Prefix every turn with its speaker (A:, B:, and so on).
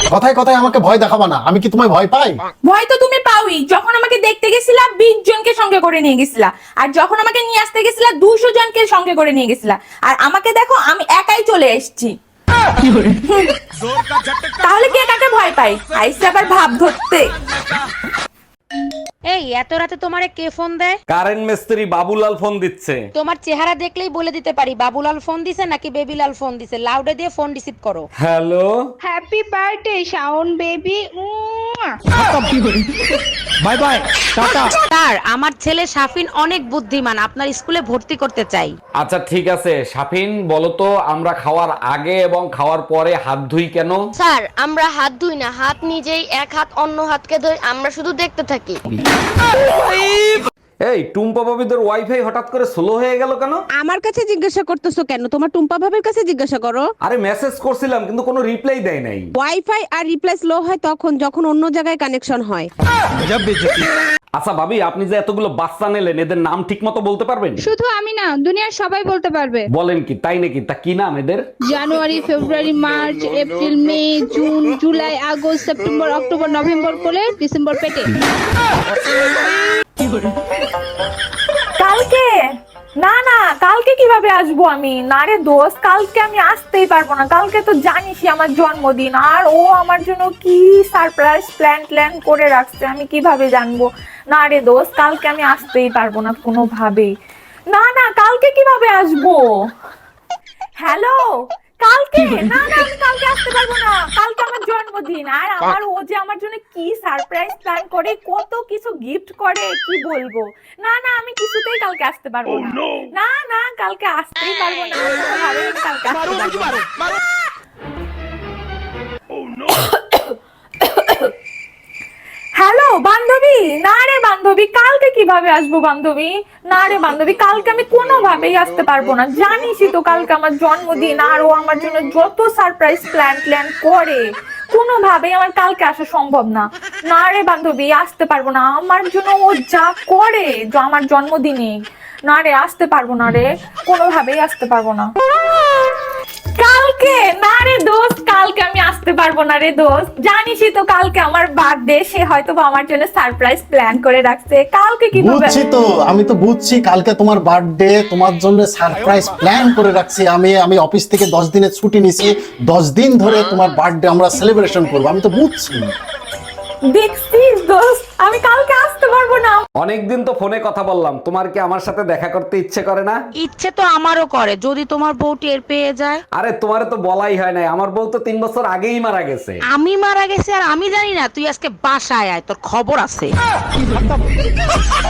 A: কথায় কথায় আমাকে ভয় দেখাবা না, আমি কি তোমায় ভয় পাই?
B: ভয় তো তুমি পাওই। যখন আমাকে দেখতে গেছিলা 20 জনকে সঙ্গে করে নিয়ে গেছিলা, আর যখন আমাকে নিয়ে আসতে গেছিলা 200 জনকে সঙ্গে করে নিয়ে গেছিলা, আর আমাকে দেখো আমি একাই চলে এসেছি। তাহলে কে কাকে ভয় পাই? আইসে আবার ভাব ধরতে।
C: এই এত রাতে তোমারে কে ফোন দেয়?
D: কারেন্ট মিস্ত্রি বাবুলাল ফোন দিচ্ছে।
C: তোমার চেহারা দেখলেই বলে দিতে পারি বাবুলাল ফোন দিছে নাকি বেবিলাল ফোন দিছে। লাউডে দিয়ে ফোন রিসিভ করো।
D: Hello,
E: happy birthday Shaon baby.
D: Bye bye, tata.
C: Sir, আমার ছেলে শাফিন অনেক বুদ্ধিমান, আপনার স্কুলে ভর্তি করতে চাই।
D: আচ্ছা ঠিক আছে, শাফিন বলো তো আমরা খাওয়ার আগে এবং খাওয়ার পরে হাত ধুই কেন?
F: স্যার, আমরা হাত ধুই না, হাত নিজেই এক হাত অন্য হাতকে ধরে আমরা শুধু দেখতে থাকি।
D: এই টুম্পা বাবিদের ওয়াইফাই হঠাৎ করে স্লো হয়ে গেল কেন?
G: আমার কাছে জিজ্ঞাসা করতেছো কেন? তোমার টুম্পা ভাবের কাছে জিজ্ঞাসা করো।
D: আরে মেসেজ করছিলাম কিন্তু কোনো রিপ্লাই দেয় নাই।
G: ওয়াইফাই আর রিপ্লাই স্লো হয় তখন যখন অন্য জায়গায় কানেকশন হয়।
D: আচ্ছা ভাবি, আপনি যে এতগুলো বাচ্চা নিলেন এদের নাম ঠিক মতো বলতে পারবেন?
E: শুধু আমি না, দুনিয়ার সবাই বলতে পারবে।
D: বলেন কি, তাই নাকি? তা কি নাম এদের?
E: January, February, March, April, May, June, July, August, September, October, November কোলে, ডিসেম্বর পেটে।
B: কালকে না না, কালকে কিভাবে আসবো আমি? না রে দোস্ত, কালকে আমি আসতেই পারবো না। কালকে তো জানিসই আমার জন্মদিন, আর ও আমার জন্য কি সারপ্রাইজ প্ল্যান করে রাখছে, আমি কিভাবে জানবো? না রে দোস্ত, কালকে আমি আসতেই পারবো না কোনোভাবেই। না না, কালকে কিভাবে আসবো? হ্যালো, কালকে না না, আমি কালকে আসতে পারবো না। কালকে আমার জন্মদিন, আর আমার ও যে আমার জন্য কি সারপ্রাইজ প্ল্যান করে, কত কিছু গিফট করে, কি বলবো। না না, আমি কিছুতেই কালকে আসতে পারবো না। না না, কালকে আসতেই পারবো না কোনোভাবেই, আমি কালকে আসতে পারবো না। হ্যালো বান্ধবী, না রে বান্ধবী, কালকে কিভাবে আসবো বান্ধবী? না রে বান্ধবী, কালকে আমি কোনোভাবেই আসতে পারবো না। জানিসই তো কালকে আমার জন্মদিন, আর ও আমার জন্য যত সারপ্রাইজ প্ল্যান করে, কোনোভাবেই আমার কালকে আসা সম্ভব না। না রে বান্ধবী, আসতে পারবো না। আমার জন্য ও যা করে আমার জন্মদিনে, না রে আসতে পারবো না রে, কোনোভাবেই আসতে পারবো না কালকে। না রে দোস্ত, কালকে আমি আসতে পারবো না রে দোস্ত। জানিসই তো কালকে আমার বার্থডে, সে হয়তো আমার জন্য সারপ্রাইজ প্ল্যান করে রাখছে। কালকে কিভাবে?
A: বুঝছি তো, আমি তো বুঝছি কালকে তোমার বার্থডে, তোমার জন্য সারপ্রাইজ প্ল্যান করে রাখছি। আমি অফিস থেকে 10 দিনের ছুটি নিয়েছি, 10 দিন ধরে তোমার বার্থডে আমরা সেলিব্রেশন করবো, আমি তো বুঝছি।
B: দেখছিস দোস্ত, আমি কালকে আসতে পারবো না।
D: অনেকদিন তো ফোনে কথা বললাম, তোমার কি আমার সাথে দেখা করতে ইচ্ছে করে না?
C: ইচ্ছে তো আমারও করে, যদি তোমার বউ টের পেয়ে যায়।
D: আরে তোমারে তো বলাই হয় নাই, আমার বউ তো 3 বছর আগেই মারা গেছে।
C: আমি মারা গেছি আর আমি জানি না? তুই আজকে বাসায় আয়, তোর খবর আছে।